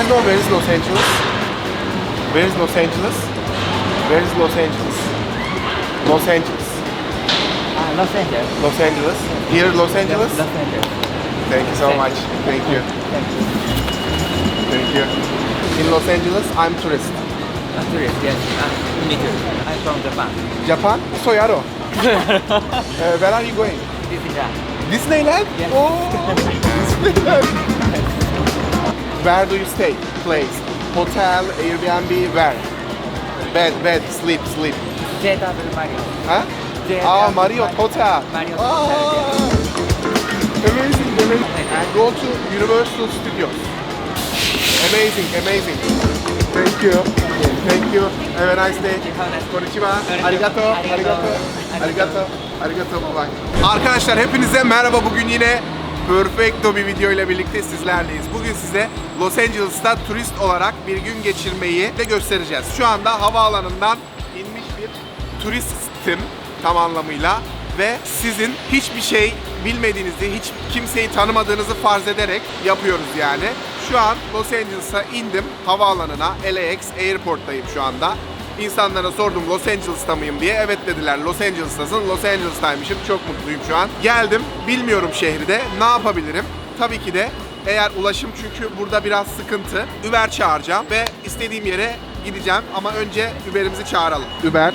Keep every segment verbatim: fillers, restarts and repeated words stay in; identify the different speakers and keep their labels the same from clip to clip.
Speaker 1: you know where is Los Angeles? Where is Los Angeles? Where is Los Angeles? Los Angeles.
Speaker 2: Uh, Los Angeles.
Speaker 1: Los Angeles. Here Los Angeles?
Speaker 2: Los Angeles.
Speaker 1: Thank you so much. Thank you.
Speaker 2: Thank you.
Speaker 1: Thank you. In Los Angeles, I'm tourist.
Speaker 2: A tourist, yes. Uh, me too. I'm from Japan.
Speaker 1: Japan? Soyaro. uh, where are you going?
Speaker 2: Disneyland.
Speaker 1: Disneyland?
Speaker 2: Yes.
Speaker 1: Oh, Disneyland. Where do you stay? Place? Hotel, Airbnb, where? Bed, bed, sleep, sleep.
Speaker 2: J W Marriott.
Speaker 1: Huh?
Speaker 2: J W
Speaker 1: Ah, Marriott Hotel.
Speaker 2: Marriott
Speaker 1: Ah,
Speaker 2: Hotel,
Speaker 1: amazing, amazing. And go to Universal Studios. Amazing, amazing. Thank you. Thank you. Have a nice day. Konnichiwa. Arigato. Arigato. Arigato. Arigato. Bye bye. Arkadaşlar hepinize merhaba. Bugün yine perfecto bir video ile birlikte sizlerleyiz. Bugün size Los Angeles'ta turist olarak bir gün geçirmeyi de göstereceğiz. Şu anda havaalanından inmiş bir turistim tam anlamıyla ve sizin hiçbir şey bilmediğinizi, hiç kimseyi tanımadığınızı farz ederek yapıyoruz yani. Şu an Los Angeles'a indim havaalanına, L A X Airport'tayım şu anda. İnsanlara sordum Los Angeles'ta mıyım diye. Evet dediler, Los Angeles'tasın. Los Angeles'taymışım. Çok mutluyum şu an. Geldim. Bilmiyorum şehri de. Ne yapabilirim? Tabii ki de eğer ulaşım, çünkü burada biraz sıkıntı. Uber çağıracağım ve istediğim yere gideceğim. Ama önce Uber'imizi çağıralım. Uber.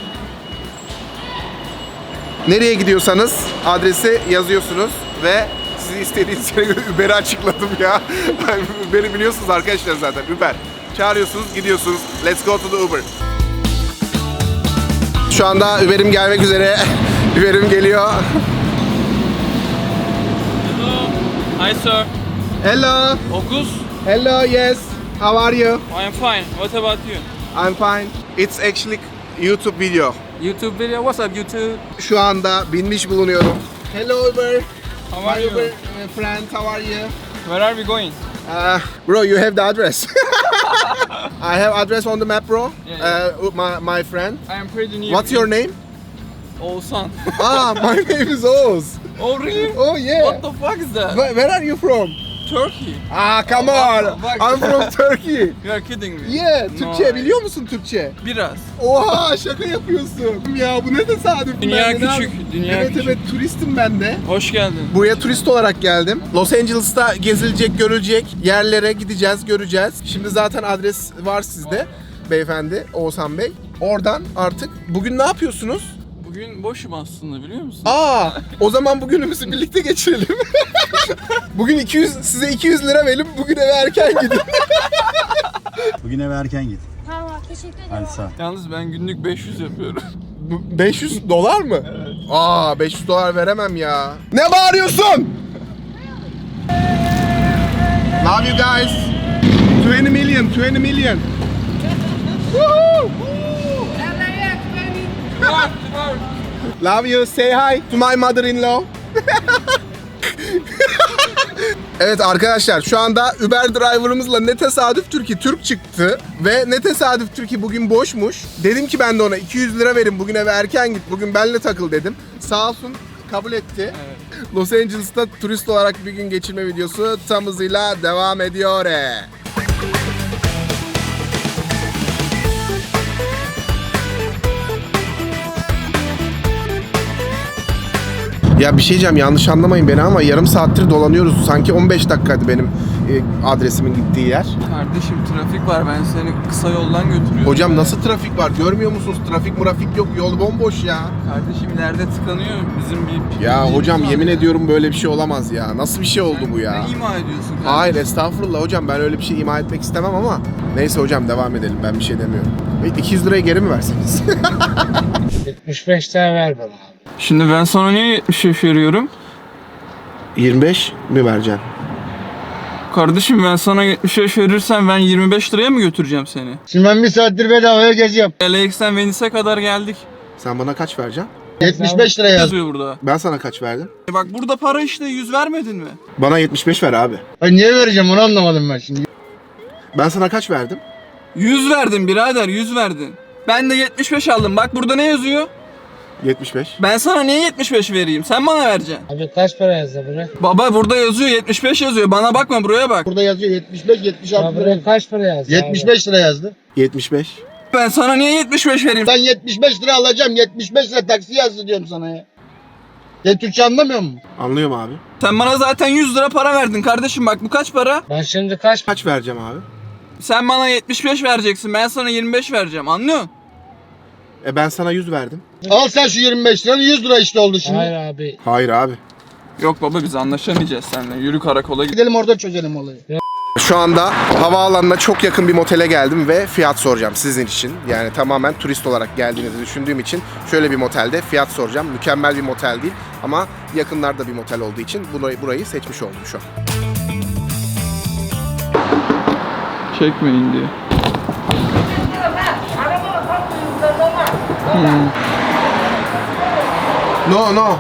Speaker 1: Nereye gidiyorsanız adresi yazıyorsunuz ve sizi istediğiniz yere göre Uber'i açıkladım ya. Uber'i biliyorsunuz arkadaşlar zaten. Uber. Çağırıyorsunuz, gidiyorsunuz. Let's go to the Uber. Şu anda Uber'im gelmek üzere. Uber'im geliyor.
Speaker 3: Hello. Hi, sir.
Speaker 1: Hello.
Speaker 3: August.
Speaker 1: Hello, yes. How are you?
Speaker 3: I am fine. What about you?
Speaker 1: I'm fine. It's actually YouTube video.
Speaker 3: YouTube video. What's up, YouTube?
Speaker 1: Şu anda binmiş bulunuyorum. Hello Uber.
Speaker 3: How are
Speaker 1: My
Speaker 3: you?
Speaker 1: Uber uh, friend, how are you?
Speaker 3: Where are we going?
Speaker 1: Uh, bro, you have the address. I have address on the map, bro.
Speaker 3: Yeah,
Speaker 1: Uh, my, my friend.
Speaker 3: I am pretty new.
Speaker 1: What's your name?
Speaker 3: Oğuzhan.
Speaker 1: Ah, my name is Oz.
Speaker 3: Oh, really?
Speaker 1: Oh yeah.
Speaker 3: What the fuck is that?
Speaker 1: Where, where are you from?
Speaker 3: Turkey.
Speaker 1: Ah, come on.
Speaker 3: Bak.
Speaker 1: I'm from Turkey.
Speaker 3: You are kidding me.
Speaker 1: Yeah,
Speaker 3: No.
Speaker 1: Türkçe biliyor musun Türkçe?
Speaker 3: Biraz.
Speaker 1: Oha, şaka yapıyorsun. Ya bu ne tesadüf.
Speaker 3: Dünya
Speaker 1: Ben de ne
Speaker 3: küçük,
Speaker 1: yap-
Speaker 3: dünya
Speaker 1: evet
Speaker 3: küçük.
Speaker 1: evet, turistim ben de.
Speaker 3: Hoş geldin.
Speaker 1: Buraya turist olarak geldim. Los Angeles'ta gezilecek, görülecek yerlere gideceğiz, göreceğiz. Şimdi zaten adres var sizde beyefendi, Oğuzhan Bey. Oradan artık bugün ne yapıyorsunuz?
Speaker 3: Bugün boşum aslında, biliyor musun?
Speaker 1: Aa, o zaman bugünümüzü birlikte geçirelim. Bugün iki yüz, size iki yüz lira verelim, bugün eve erken gidin.
Speaker 4: Bugün eve erken git.
Speaker 5: Tamam, teşekkür ederim.
Speaker 4: Hadi sağ ol.
Speaker 3: Yalnız ben günlük beş yüz yapıyorum.
Speaker 1: Bu beş yüz dolar mı? Evet. Aa, beş yüz dolar veremem ya. Ne bağırıyorsun? Love you guys. twenty million, twenty million. Woohoo! Love you. Say hi to my mother-in-law. Evet arkadaşlar, şu anda Uber driver'ımızla ne tesadüftür ki Türk çıktı ve ne tesadüftür ki bugün boşmuş. Dedim ki ben de ona iki yüz lira verin, bugün eve erken git, bugün benimle takıl dedim. Sağ olsun kabul etti. Evet. Los Angeles'ta turist olarak bir gün geçirme videosu tam hızıyla devam ediyor. Ya bir şey diyeceğim, yanlış anlamayın beni ama yarım saattir dolanıyoruz. Sanki on beş dakikaydı benim e, adresimin gittiği yer.
Speaker 3: Kardeşim trafik var, ben seni kısa yoldan götürüyorum.
Speaker 1: Hocam nasıl trafik var? Görmüyor musunuz? Trafik murafik yok. Yol bomboş ya.
Speaker 3: Kardeşim ileride tıkanıyor bizim bir...
Speaker 1: Ya
Speaker 3: bir-
Speaker 1: hocam
Speaker 3: bir-
Speaker 1: yemin ediyorum böyle bir şey olamaz ya. Nasıl bir şey oldu bu ya?
Speaker 3: Ne ima ediyorsun kardeşim?
Speaker 1: Hayır estağfurullah hocam, ben öyle bir şey ima etmek istemem ama neyse hocam, devam edelim, ben bir şey demiyorum. E, iki yüz lirayı geri mi verseniz?
Speaker 6: yetmiş beş lira ver bana.
Speaker 3: Şimdi ben sana niye yetmiş beş veriyorum?
Speaker 1: yirmi beş mi vereceksin?
Speaker 3: Kardeşim ben sana yetmiş beş verirsem ben yirmi beş liraya mı götüreceğim seni?
Speaker 6: Şimdi ben bir saattir bedavaya geziyorum.
Speaker 3: L A X'ten Venice'e kadar geldik.
Speaker 1: Sen bana kaç vereceksin?
Speaker 6: yetmiş beş lira yaz.
Speaker 3: Yazıyor burada.
Speaker 1: Ben sana kaç verdim?
Speaker 3: E bak burada para işte, yüz vermedin mi?
Speaker 1: Bana yetmiş beş ver abi.
Speaker 6: Ay niye vereceğim onu anlamadım ben şimdi.
Speaker 1: Ben sana kaç verdim?
Speaker 3: yüz verdin birader, yüz verdin. Ben de yetmiş beş aldım. Bak burada ne yazıyor?
Speaker 1: yetmiş beş.
Speaker 3: Ben sana niye yetmiş beş vereyim? Sen bana vereceksin.
Speaker 6: Abi kaç para yazdı buraya?
Speaker 3: Baba burada yazıyor yetmiş beş yazıyor. Bana bakma buraya bak.
Speaker 6: Burada yazıyor yetmiş beş yetmiş altı. Buraya kaç para yazdı? yetmiş beş lira yazdı.
Speaker 1: yetmiş beş.
Speaker 3: Ben sana niye yetmiş beş vereyim?
Speaker 6: Ben yetmiş beş lira alacağım. yetmiş beş lira taksi yazdı diyorum sana ya. Sen Türkçe anlamıyor musun?
Speaker 1: Anlıyorum abi.
Speaker 3: Sen bana zaten yüz lira para verdin kardeşim, bak bu kaç para?
Speaker 6: Ben şimdi kaç
Speaker 1: Kaç vereceğim abi?
Speaker 3: Sen bana yetmiş beş vereceksin, ben sana yirmi beş vereceğim, anlıyorsun?
Speaker 1: E ben sana yüz verdim.
Speaker 6: Al sen şu yirmi beş liranı yüz lira işte oldu şimdi. Hayır abi.
Speaker 1: Hayır abi.
Speaker 3: Yok baba biz anlaşamayacağız seninle, yürü karakola gidelim.
Speaker 6: Gidelim orada çözelim olayı.
Speaker 1: Şu anda havaalanına çok yakın bir motele geldim ve fiyat soracağım sizin için. Yani tamamen turist olarak geldiğinizi düşündüğüm için şöyle bir motelde fiyat soracağım. Mükemmel bir motel değil ama yakınlarda bir motel olduğu için burayı, burayı seçmiş oldum şu an.
Speaker 3: Çekmeyin diye. Hmm.
Speaker 1: No no.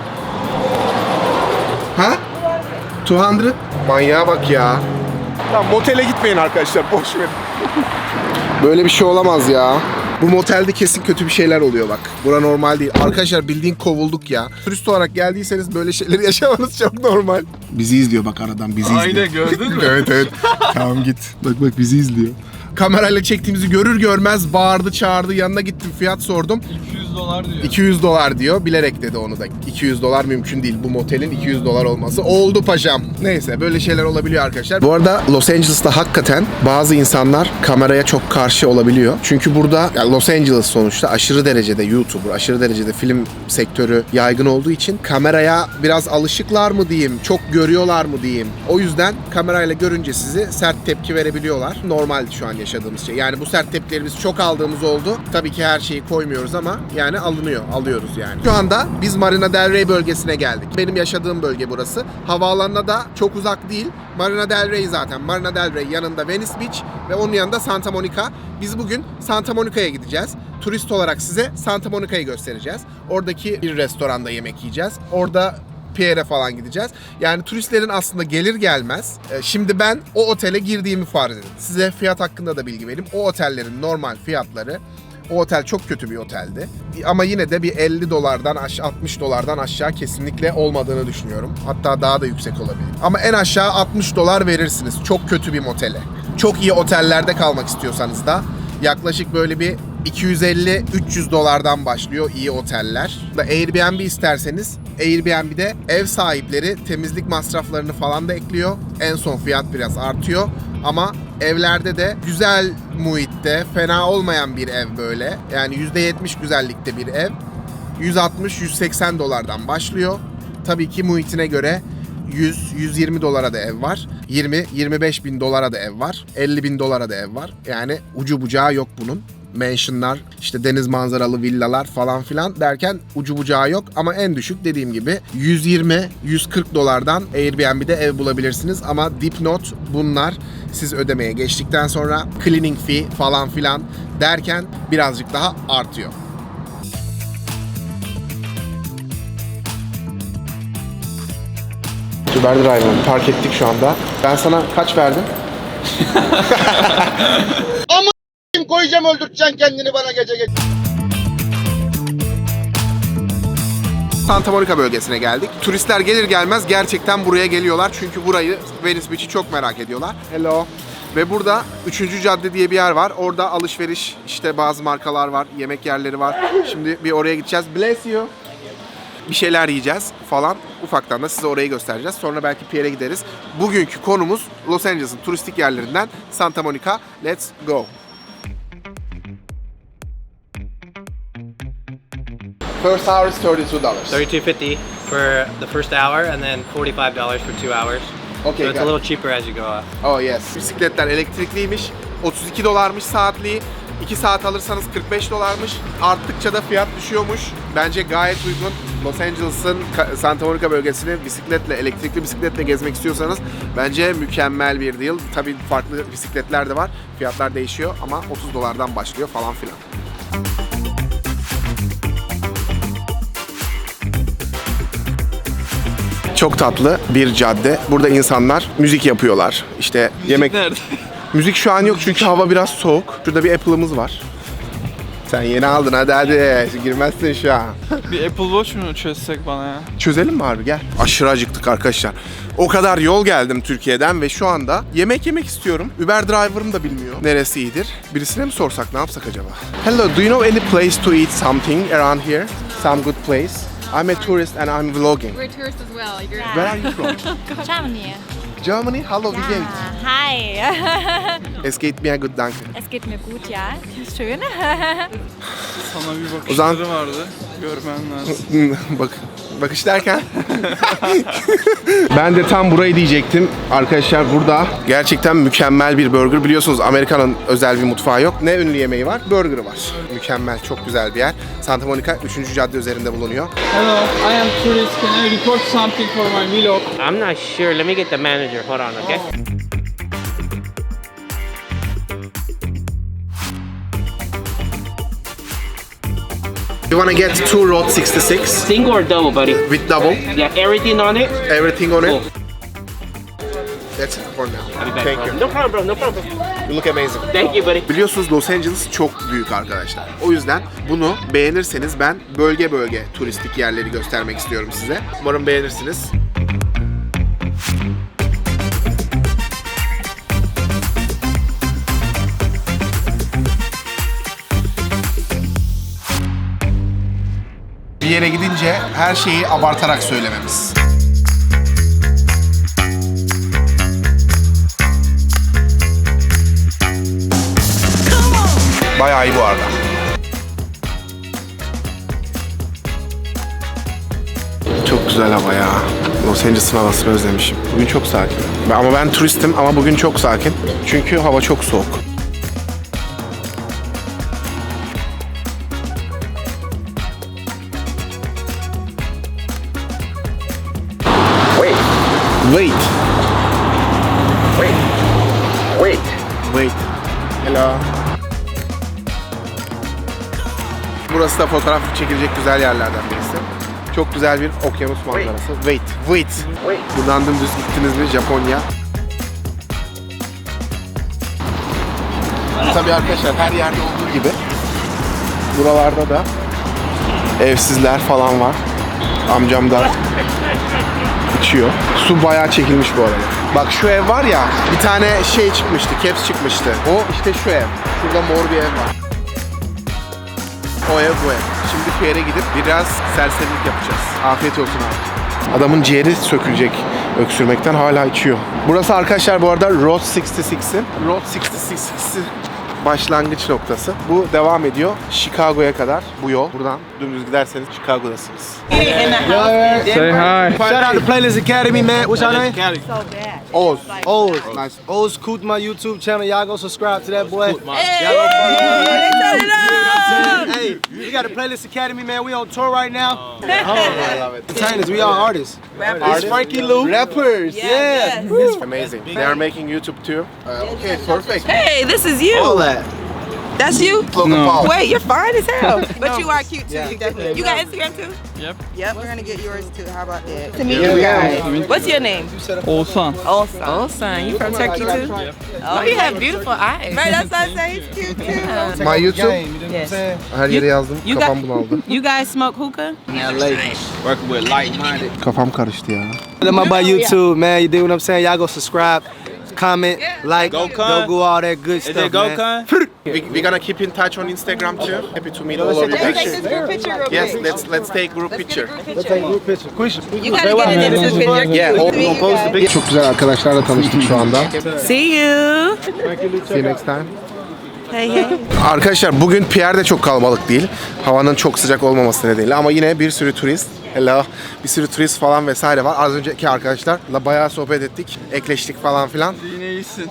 Speaker 1: Ha? iki yüz. Manyağa bak ya. Lan motele gitmeyin arkadaşlar, boş verin. Böyle bir şey olamaz ya. Bu motelde kesin kötü bir şeyler oluyor bak. Bura normal değil. Arkadaşlar bildiğin kovulduk ya. Turist olarak geldiyseniz böyle şeyleri yaşamanız çok normal. Bizi izliyor bak aradan, bizi izliyor.
Speaker 3: Aynen, gördün mü?
Speaker 1: Evet evet. Tamam git. Bak bak bizi izliyor. Kamerayla çektiğimizi görür görmez bağırdı çağırdı, yanına gittim fiyat sordum.
Speaker 3: iki yüz dolar diyor.
Speaker 1: iki yüz dolar diyor. Bilerek dedi onu da. iki yüz dolar mümkün değil. Bu motelin iki yüz dolar olması. Oldu paşam. Neyse böyle şeyler olabiliyor arkadaşlar. Bu arada Los Angeles'ta hakikaten bazı insanlar kameraya çok karşı olabiliyor. Çünkü burada yani Los Angeles sonuçta aşırı derecede YouTuber, aşırı derecede film sektörü yaygın olduğu için kameraya biraz alışıklar mı diyeyim, çok görüyorlar mı diyeyim. O yüzden kamerayla görünce sizi sert tepki verebiliyorlar. Normal şu an yaşadığımız şey. Yani bu sert tepkileri biz çok aldığımız oldu. Tabii ki her şeyi koymuyoruz ama yani alınıyor, alıyoruz yani. Şu anda biz Marina Del Rey bölgesine geldik. Benim yaşadığım bölge burası. Havaalanına da çok uzak değil. Marina Del Rey zaten. Marina Del Rey yanında Venice Beach ve onun yanında Santa Monica. Biz bugün Santa Monica'ya gideceğiz. Turist olarak size Santa Monica'yı göstereceğiz. Oradaki bir restoranda yemek yiyeceğiz. Orada Pierre'e falan gideceğiz. Yani turistlerin aslında gelir gelmez. E, şimdi ben o otele girdiğimi farz edin. Size fiyat hakkında da bilgi vereyim. O otellerin normal fiyatları, o otel çok kötü bir oteldi. Ama yine de bir elli dolardan aşağı, altmış dolardan aşağı kesinlikle olmadığını düşünüyorum. Hatta daha da yüksek olabilir. Ama en aşağı altmış dolar verirsiniz çok kötü bir motele. Çok iyi otellerde kalmak istiyorsanız da yaklaşık böyle bir iki yüz elli üç yüz dolardan başlıyor iyi oteller. Airbnb isterseniz Airbnb'de ev sahipleri temizlik masraflarını falan da ekliyor. En son fiyat biraz artıyor. Ama evlerde de güzel muhitte, fena olmayan bir ev böyle. Yani yüzde yetmiş güzellikte bir ev. yüz altmış yüz seksen dolardan başlıyor. Tabii ki muhitine göre yüz yüz yirmi dolara da ev var. yirmi yirmi beş bin dolara da ev var. elli bin dolara da ev var. Yani ucu bucağı yok bunun. Mansionlar, işte deniz manzaralı villalar falan filan derken ucu bucağı yok ama en düşük dediğim gibi yüz yirmi yüz kırk dolardan Airbnb'de ev bulabilirsiniz ama dipnot bunlar siz ödemeye geçtikten sonra cleaning fee falan filan derken birazcık daha artıyor. Uber Drive'ı park ettik şu anda. Ben sana kaç verdim?
Speaker 6: Koyacağım öldürteceksin kendini bana gece gece.
Speaker 1: Santa Monica bölgesine geldik. Turistler gelir gelmez gerçekten buraya geliyorlar. Çünkü burayı, Venice Beach'i çok merak ediyorlar. Hello. Ve burada üçüncü cadde diye bir yer var. Orada alışveriş, işte bazı markalar var, yemek yerleri var. Şimdi bir oraya gideceğiz. Bless you. Bir şeyler yiyeceğiz falan. Ufaktan da size orayı göstereceğiz. Sonra belki Pierre'e gideriz. Bugünkü konumuz Los Angeles'ın turistik yerlerinden Santa Monica. Let's go. First hour is thirty-two dollars.
Speaker 5: thirty-two fifty for the first hour, and then forty-five dollars for two hours.
Speaker 1: Okay,
Speaker 5: So it's
Speaker 1: got
Speaker 5: a
Speaker 1: it.
Speaker 5: little cheaper as you go up.
Speaker 1: Oh yes. Bisikletler elektrikliymiş. otuz iki dolarmış saatliği. iki saat alırsanız kırk beş dolarmış. Arttıkça da fiyat düşüyormuş. Bence gayet uygun. Los Angeles'ın Santa Monica bölgesini bisikletle, elektrikli bisikletle gezmek istiyorsanız bence mükemmel bir deal. Tabii farklı bisikletler de var. Fiyatlar değişiyor ama otuz dolardan başlıyor falan filan. Çok tatlı bir cadde. Burada insanlar müzik yapıyorlar. İşte yemek...
Speaker 3: Nerede?
Speaker 1: Müzik şu an yok çünkü hava biraz soğuk. Şurada bir Apple'ımız var. Sen yeni aldın hadi hadi. Girmezsin şu an.
Speaker 3: Bir Apple Watch mu çözsek bana ya?
Speaker 1: Çözelim mi abi gel. Aşırı acıktık arkadaşlar. O kadar yol geldim Türkiye'den ve şu anda yemek yemek istiyorum. Uber driver'ım da bilmiyor neresi iyidir. Birisine mi sorsak ne yapsak acaba? Hello, do you know any place to eat something around here? Some good place? I'm a tourist and I'm vlogging.
Speaker 7: We're tourists as well. You're
Speaker 1: Where are you from?
Speaker 7: Germany.
Speaker 1: Germany? Hallo, wie
Speaker 7: Ja,
Speaker 1: geht's?
Speaker 7: hi.
Speaker 1: Es geht mir gut, danke.
Speaker 7: Es geht mir gut, ja. Schön.
Speaker 3: Sana bir
Speaker 1: O zaman-
Speaker 3: bakışları vardı. Görmen lazım.
Speaker 1: Bak, bakış derken. Ben de tam burayı diyecektim. Arkadaşlar burada gerçekten mükemmel bir burger. Biliyorsunuz Amerika'nın özel bir mutfağı yok. Ne ünlü yemeği var? Burger'ı var. Mükemmel, çok güzel bir yer. Santa Monica üçüncü cadde üzerinde bulunuyor.
Speaker 3: Hello, I am tourist. Can I record something for my vlog?
Speaker 5: I'm not sure. Let me get the manager. Hold on, okay?
Speaker 1: You wanna get two Road sixty-six
Speaker 5: Single or double, buddy?
Speaker 1: with double,
Speaker 5: Yeah, everything on it.
Speaker 1: everything on
Speaker 5: Cool.
Speaker 1: it. That's it for now.
Speaker 5: I'll be back,
Speaker 1: Thank
Speaker 5: bro.
Speaker 1: you.
Speaker 5: No problem, bro. No problem.
Speaker 1: You look amazing.
Speaker 5: Thank you, buddy.
Speaker 1: Biliyorsunuz Los Angeles çok büyük arkadaşlar. O yüzden bunu beğenirseniz ben bölge bölge turistik yerleri göstermek istiyorum size. Umarım beğenirsiniz. Bir yere gidince her şeyi abartarak söylememiz. Bayağı iyi bu arada. Çok güzel hava ya. Los Angeles'ın havasını özlemişim. Bugün çok sakin. Ben- Ama ben turistim ama bugün çok sakin. Çünkü hava çok soğuk.
Speaker 5: Wait.
Speaker 1: Wait.
Speaker 5: Wait. Wait.
Speaker 1: Wait. Hello. Burası da fotoğraf çekilecek güzel yerlerden birisi. Çok güzel bir okyanus manzarası. Wait. Wait.
Speaker 5: Wait.
Speaker 1: Buradan dümdüz gittiniz mi Japonya? Tabii arkadaşlar her yerde olduğu gibi buralarda da evsizler falan var. Amcam da içiyor. Su bayağı çekilmiş bu arada. Bak şu ev var ya, bir tane şey çıkmıştı, caps çıkmıştı. O işte şu ev. Şurada mor bir ev var. O ev bu ev. Şimdi şu yere gidip biraz serserilik yapacağız. Afiyet olsun abi. Adamın ciğeri sökülecek öksürmekten, hala içiyor. Burası arkadaşlar bu arada Road altmış altının Road altmış altı başlangıç noktası. Bu devam ediyor Chicago'ya kadar bu yol. Buradan dümdüz giderseniz Chicago'dasınız.
Speaker 3: Say hi.
Speaker 8: Shout out to Playlist Academy, man. What's your name?
Speaker 1: Oz.
Speaker 8: Oz.
Speaker 1: Nice.
Speaker 8: Oz Koot, my YouTube channel. Y'all go subscribe to that boy. Y'all go follow him. Hey, we got a Playlist Academy, man. We on tour right now. Entertainers, we all artists. It's Frankie Lou.
Speaker 1: Rappers.
Speaker 8: Yeah.
Speaker 1: Amazing. They are making YouTube too. Uh, okay, perfect.
Speaker 9: Hey, this is you.
Speaker 8: All that.
Speaker 9: That's you.
Speaker 1: Logan
Speaker 3: No.
Speaker 1: Paul.
Speaker 9: Wait, you're fine as hell. But you are cute too. You definitely. You got Instagram too?
Speaker 3: Yep.
Speaker 9: Yep. We're gonna get yours too. How about that? To meet
Speaker 1: Yeah,
Speaker 9: you
Speaker 1: we
Speaker 9: guys. What's your name?
Speaker 3: Oğuzhan.
Speaker 9: Olsan. Olsan. You from Turkey too? Oh, you have beautiful eyes. Right, that's what I say. He's cute too.
Speaker 1: My YouTube.
Speaker 8: Game, you know what I'm saying?
Speaker 1: Her yere yazdım.
Speaker 9: You
Speaker 1: Kafam
Speaker 9: got-
Speaker 1: bunaldı.
Speaker 9: You guys smoke hookah?
Speaker 4: Working with like-minded.
Speaker 1: Kafam karıştı ya.
Speaker 8: Let my boy YouTube, man. You dig what I'm saying? Y'all go subscribe, comment, like,
Speaker 4: Go,
Speaker 8: go,
Speaker 4: Con.
Speaker 8: go all that good
Speaker 4: Is
Speaker 8: stuff,
Speaker 4: it go,
Speaker 8: man.
Speaker 4: Con?
Speaker 1: We, we're gonna keep in touch on Instagram too. Happy to meet all of you.
Speaker 9: Let's take this group picture real quick.
Speaker 1: Yes, let's let's take group
Speaker 9: Let's get
Speaker 1: picture.
Speaker 9: a group
Speaker 8: Let's take a
Speaker 9: picture.
Speaker 8: group picture. Quisha.
Speaker 9: You gotta get it into the picture.
Speaker 1: Yeah,
Speaker 9: Cute
Speaker 1: hold-
Speaker 9: to meet you guys.
Speaker 1: Çok güzel arkadaşlarla tanıştık şu anda.
Speaker 9: See you.
Speaker 1: See you next time.
Speaker 9: Hey, hey.
Speaker 1: Arkadaşlar bugün Pierre de çok kalabalık değil. Havanın çok sıcak olmaması nedeniyle ama yine bir sürü turist. Hello. Bir sürü turist falan vesaire var. Az önceki arkadaşlarla bayağı sohbet ettik. Ekleştik falan filan.
Speaker 3: Yine iyisin.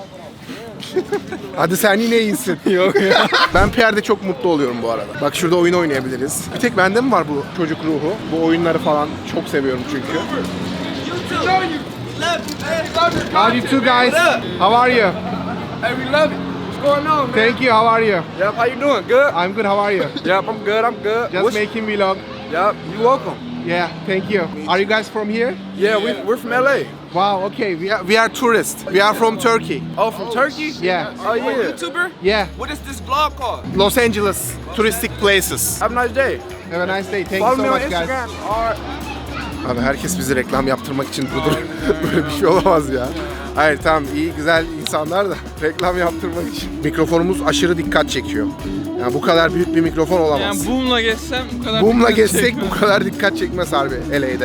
Speaker 1: Hadi sen yine iyisin. Yok ya. Ben Pierre'de çok mutlu oluyorum bu arada. Bak şurada oyun oynayabiliriz. Bir tek bende mi var bu çocuk ruhu? Bu oyunları falan çok seviyorum çünkü. How you two guys? How are you?
Speaker 8: Hey, we love it. What's going on, man?
Speaker 1: Thank you. How are you?
Speaker 8: Yep, how you doing? Good?
Speaker 1: I'm good. How are you?
Speaker 8: Yep, I'm good. I'm good.
Speaker 1: Just
Speaker 8: What's-
Speaker 1: making vlog.
Speaker 8: Yep, you welcome.
Speaker 1: Yeah, thank you. Are you guys from here?
Speaker 4: Yeah, we, we're from L A.
Speaker 1: Wow, okay. We are, we are tourists. We are from Turkey.
Speaker 4: Oh, from Turkey?
Speaker 1: Yeah.
Speaker 4: Oh, yeah. YouTuber?
Speaker 1: Yeah.
Speaker 4: What is this vlog called?
Speaker 1: Los Angeles touristic places.
Speaker 4: Have a nice day.
Speaker 1: Have a nice day. Thank
Speaker 4: Follow
Speaker 1: you
Speaker 4: me
Speaker 1: so
Speaker 4: on
Speaker 1: much guys.
Speaker 4: Instagram. All right.
Speaker 1: Abi herkes bizi reklam yaptırmak için durdur. Böyle bir şey olamaz ya. Hayır tamam iyi güzel insanlar da reklam yaptırmak için. Mikrofonumuz aşırı dikkat çekiyor. Yani bu kadar büyük bir mikrofon olamaz.
Speaker 3: Yani boom'la geçsem bu kadar
Speaker 1: Boom'la
Speaker 3: dikkat
Speaker 1: geçsek
Speaker 3: çekmez.
Speaker 1: bu kadar dikkat çekmez harbi L A'de.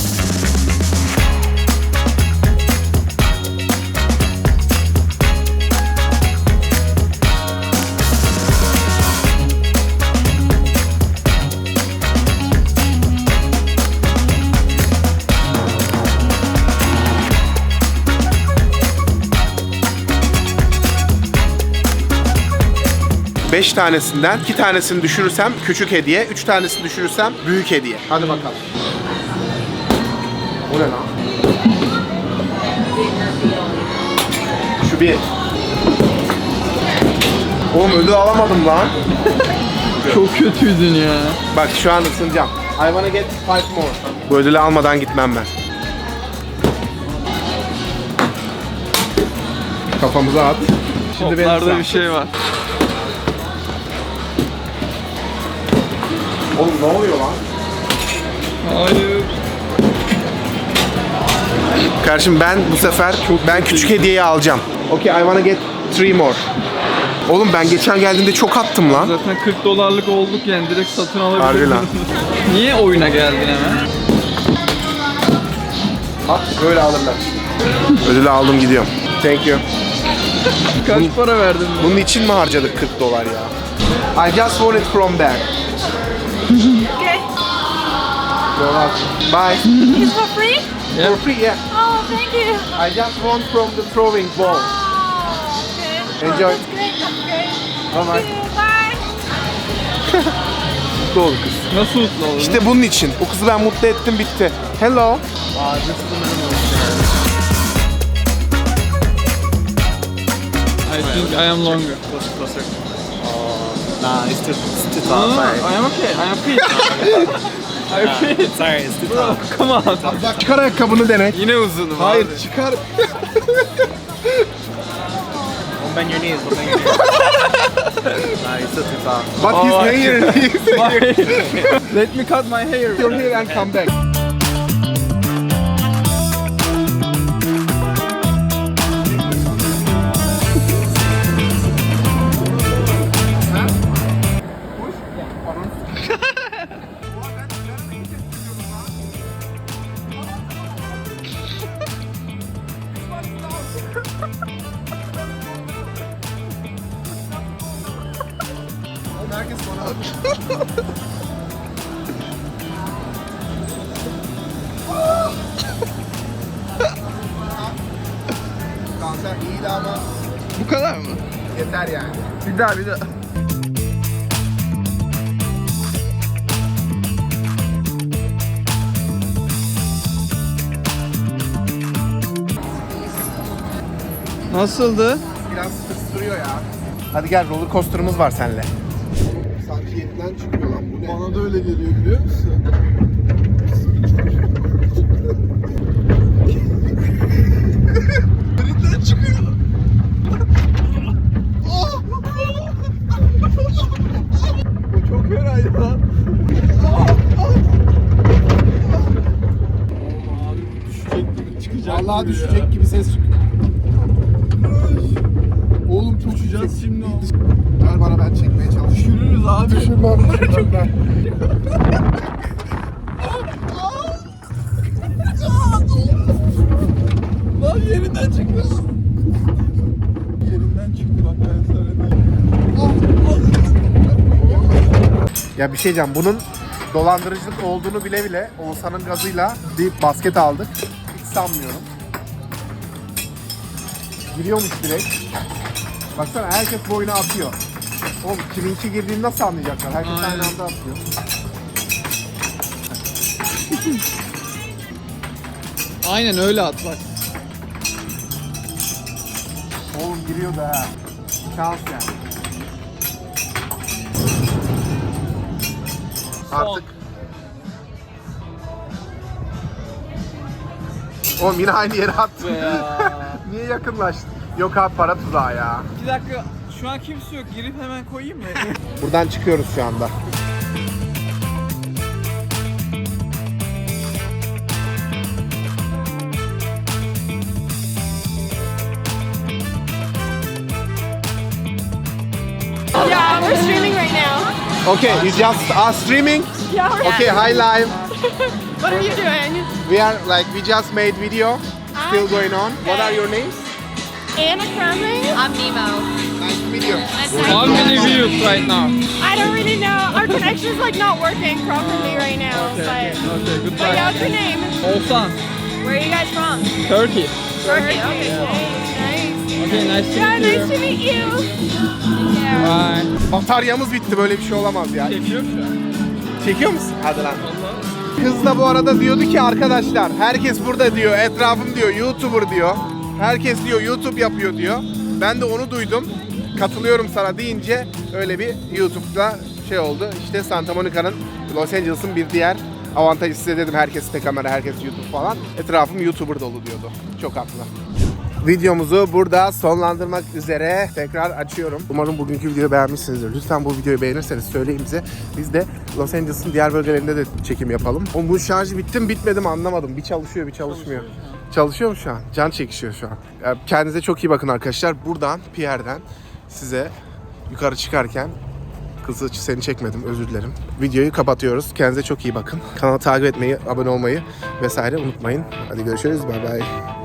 Speaker 1: Beş tanesinden iki tanesini düşürürsem küçük hediye, üç tanesini düşürürsem büyük hediye. Hadi bakalım. O ne lan? Şu bir. Oğlum ödül alamadım lan.
Speaker 3: Çok kötüydün ya.
Speaker 1: Bak şu an ısınacağım. I wanna get five more. Bu ödülü almadan gitmem ben. Kafamıza at. Şimdi benim
Speaker 3: Toplarda
Speaker 1: sıram.
Speaker 3: bir şey var.
Speaker 1: Oğlum ne oluyor lan?
Speaker 3: Hayır.
Speaker 1: Kardeşim ben bu sefer ben küçük hediyeyi alacağım. Okay, I wanna get three more. Oğlum ben geçen geldiğimde çok attım lan.
Speaker 3: Zaten kırk dolarlık olduk yani direkt satın alabiliriz.
Speaker 1: Harbi lan.
Speaker 3: Niye oyuna geldin hemen?
Speaker 1: At böyle alırlar. Ödülü aldım gidiyorum. Thank you.
Speaker 3: Kaç para verdin?
Speaker 1: Bunun için mi harcadık kırk dolar ya? I just want it from there.
Speaker 7: Okay.
Speaker 1: You're welcome. Bye.
Speaker 7: It's for free?
Speaker 3: Yeah.
Speaker 1: For free, yeah.
Speaker 7: Oh, thank you.
Speaker 1: I just want from the throwing ball.
Speaker 7: Oh, okay.
Speaker 1: Enjoy.
Speaker 7: Oh, that's great. That's great.
Speaker 1: Bye bye.
Speaker 7: Thank you. Bye.
Speaker 1: Mutlu ol kız.
Speaker 3: Nasıl mutlu oldun?
Speaker 1: İşte bunun için. O kızı ben mutlu ettim bitti. Hello.
Speaker 3: I think I am longer.
Speaker 5: Closer, closer. Nah, it's too, it's too
Speaker 3: No,
Speaker 5: tall.
Speaker 3: no,
Speaker 5: Sorry.
Speaker 3: I am okay. I am fit. I am fit.
Speaker 5: Sorry, it's too
Speaker 3: Bro,
Speaker 5: tall.
Speaker 3: come on.
Speaker 1: Bak çıkar ayakkabını denek.
Speaker 3: Yine uzunum
Speaker 1: Hayır
Speaker 3: abi.
Speaker 1: çıkar.
Speaker 5: Don't bend your knees. Don't bend your knees. Nah, you're still too tall.
Speaker 1: But his
Speaker 3: Oh,
Speaker 1: hair. His hair.
Speaker 3: Let me cut my hair.
Speaker 1: Your hair and come back. Herkes bana bakıyor. Kanser iyiydi ama
Speaker 3: Bu kadar mı?
Speaker 1: yeter yani.
Speaker 3: Bir daha bir daha. Nasıldı?
Speaker 1: Biraz tırsırıyor ya. Hadi gel roller coaster'ımız var seninle. Sanki yerinden çıkıyor lan bu ne? Bana da öyle geliyor biliyor musun? Yerinden çıkıyor. O çok fenaydı lan. Vallahi düşecek gibi ses çıkıyor. Oğlum çok uçacağız şimdi. Ver bana ben çekmeye çalışıyorum.
Speaker 3: Yürürüz abi.
Speaker 1: Düşürmem, düşürmem ben.
Speaker 3: Lan yerinden çıktı. Yerinden çıktı bak ben sana diyeyim.
Speaker 1: Ya bir şey diyeceğim, bunun dolandırıcılık olduğunu bile bile Oğuzhan'ın gazıyla bir basket aldık. Hiç sanmıyorum. Giriyormuş direkt. Baksana herkes bu oyuna atıyor. Oğlum kiminki girdiğini nasıl anlayacaklar? Herkes
Speaker 3: Aynen.
Speaker 1: aynı anda atıyor.
Speaker 3: Aynen öyle at bak.
Speaker 1: Oğlum giriyor da ha. Şans yani. Artık Oğlum yine aynı yere attın. Niye yakınlaştın? Yok abi para tuzağı ya.
Speaker 3: İki dakika. Şu an kimse yok. Girip hemen koyayım mı?
Speaker 1: Buradan çıkıyoruz şu anda.
Speaker 7: Yeah, we're streaming right now.
Speaker 1: Okay, you just are streaming?
Speaker 7: Yeah, we're
Speaker 1: Okay, hi live.
Speaker 7: What are you doing?
Speaker 1: We are like, we just made video. Still going on. What are your names?
Speaker 7: Anna Crumley. I'm Nemo.
Speaker 1: Nice to meet you.
Speaker 3: How many views right now?
Speaker 7: I don't really know. Our connection's like not working properly right now.
Speaker 3: Okay,
Speaker 7: but,
Speaker 3: okay,
Speaker 7: but
Speaker 3: goodbye.
Speaker 7: yeah, what's your name?
Speaker 3: Oğuzhan.
Speaker 7: Where are you guys from?
Speaker 3: Turkey.
Speaker 7: Turkey. Okay, nice.
Speaker 3: Okay, nice to
Speaker 7: Yeah,
Speaker 3: meet you.
Speaker 7: nice to meet you. Yeah.
Speaker 3: Bye.
Speaker 1: Bataryamız bitti, böyle bir şey olamaz ya.
Speaker 3: Çekiyor şu an.
Speaker 1: Çekiyor musun? Hadi lan. Kız da bu arada diyordu ki arkadaşlar, herkes burada diyor, etrafım diyor, YouTuber diyor. Herkes diyor YouTube yapıyor diyor. Ben de onu duydum. Katılıyorum sana deyince öyle bir YouTube'da şey oldu. İşte Santa Monica'nın, Los Angeles'ın bir diğer avantajı, size dedim herkes de kamera, herkes YouTube falan. Etrafım YouTuber dolu diyordu. Çok haklı. Videomuzu burada sonlandırmak üzere tekrar açıyorum. Umarım bugünkü videoyu beğenmişsinizdir. Lütfen bu videoyu beğenirseniz söyleyin bize. Biz de Los Angeles'ın diğer bölgelerinde de çekim yapalım. O bu şarjı bitti mi bitmedi mi anlamadım. Bir çalışıyor bir çalışmıyor. Çalışıyor mu şu an? Can çekişiyor şu an. Yani kendinize çok iyi bakın arkadaşlar. Buradan Pierre'den size yukarı çıkarken, kızı seni çekmedim, özür dilerim. Videoyu kapatıyoruz. Kendinize çok iyi bakın. Kanalı takip etmeyi, abone olmayı vesaire unutmayın. Hadi görüşürüz. Bye bye.